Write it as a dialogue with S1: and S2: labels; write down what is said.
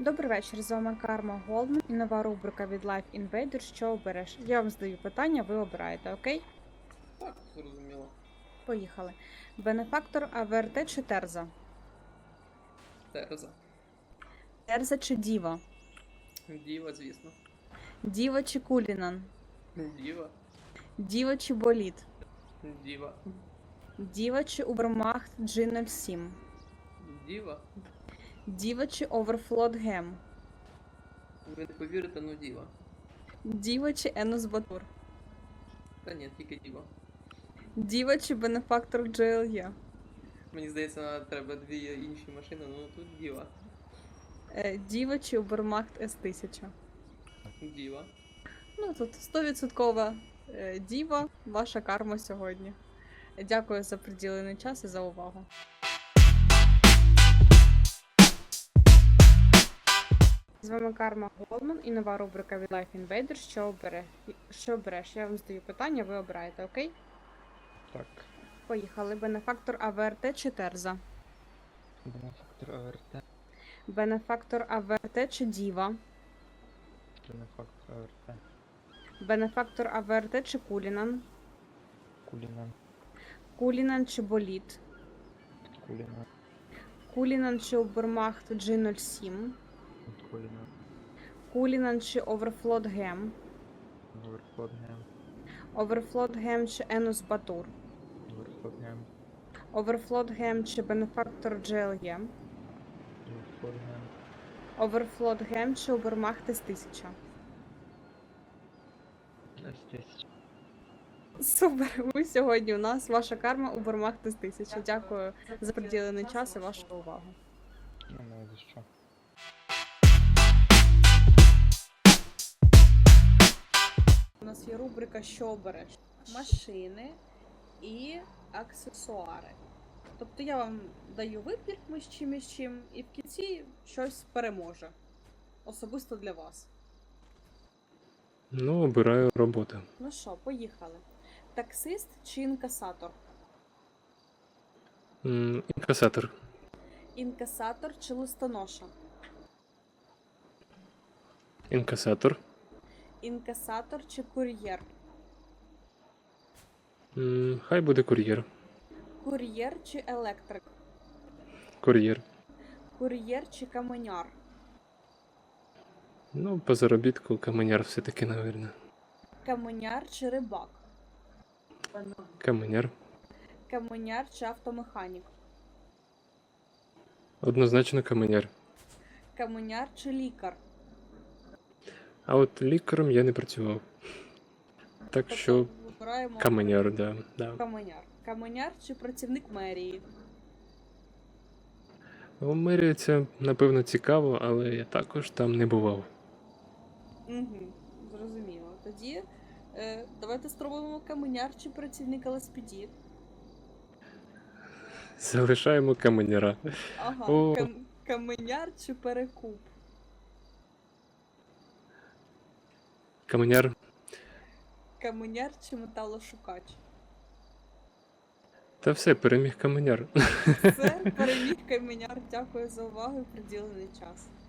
S1: Добрий вечір, з вами Карма Голдман і нова рубрика від Life Invader. Що обереш? Я вам задаю питання, ви обираєте, окей?
S2: Так, зрозуміло.
S1: Поїхали. Бенефактор АВРТ чи Терза?
S2: Терза.
S1: Терза чи Діва?
S2: Діва, звісно.
S1: Діва чи Кулінан?
S2: Діва.
S1: Діва чи Боліт?
S2: Діва.
S1: Діва чи Убермахт G07?
S2: Діва.
S1: Діва чи Оверфлот Гем?
S2: Ви не повірите, ну діва.
S1: Діва чи Енус Батур?
S2: Та ні, тільки діва.
S1: Діва чи Бенефактор GLE?
S2: Мені здається, нам треба дві інші машини, ну тут діва.
S1: Діва чи Убермахт S1000?
S2: Діва.
S1: Ну, тут 100% Діва, ваша карма сьогодні. Дякую за приділений час і за увагу. З вами Карма Голдман і нова рубрика від Life Invader. Що обереш? Я вам задаю питання, ви обираєте, окей?
S3: Так,
S1: Поїхали. Бенефактор АВРТ чи Терза?
S3: бенефактор АВРТ,
S1: Бенефактор АВРТ чи Діва?
S3: бенефактор АВРТ,
S1: Бенефактор АВРТ чи Кулінан?
S3: Кулінан,
S1: Кулінан чи Боліт?
S3: Кулінан,
S1: Кулінан чи Убермахт G07?
S3: Кулінан,
S1: Кулінан чи Оверфлот Гем?
S3: Оверфлот Гем,
S1: Оверфлот Гем чи Енус Батур?
S3: Оверфлот Гем,
S1: Оверфлот Гем чи Бенефактор GLE?
S3: Оверфлот Гем,
S1: Оверфлот Гем чи Убермахт S1000?
S3: S1000.
S1: Супер! Ви сьогодні у нас. Ваша карма Убермахт S1000. Дякую за приділений час і вашу увагу.
S3: Немає за що.
S1: У нас є рубрика «Що обереш?» Машини і аксесуари. Тобто я вам даю вибір між чим, і в кінці щось переможе. Особисто для вас.
S4: Ну, обираю роботу.
S1: Ну що, поїхали. Таксист чи інкасатор?
S4: Інкасатор.
S1: Інкасатор чи листоноша?
S4: Інкасатор.
S1: Інкасатор чи кур'єр?
S4: Хай буде кур'єр.
S1: Кур'єр чи електрик?
S4: Кур'єр.
S1: Кур'єр чи каменяр?
S4: Ну, по заробітку каменяр все-таки, навірно.
S1: Каменяр чи рибак?
S4: Каменяр.
S1: Каменяр чи автомеханік?
S4: Однозначно каменяр.
S1: Каменяр чи лікар?
S4: А от лікарем я не працював. Так що
S1: вибираємо
S4: каменяр, да.
S1: каменяр. Каменяр чи працівник мерії?
S4: У мерії це, напевно, цікаво, але я також там не бував.
S1: Угу, зрозуміло. Тоді давайте спробуємо каменяр чи працівник ЛСПД.
S4: Залишаємо каменяра.
S1: Ага,
S4: О.
S1: Каменяр чи перекуп?
S4: Каменяр.
S1: Каменяр чи металошукач?
S4: Та все, переміг каменяр.
S1: Все, переміг каменяр. Дякую за увагу і приділений час.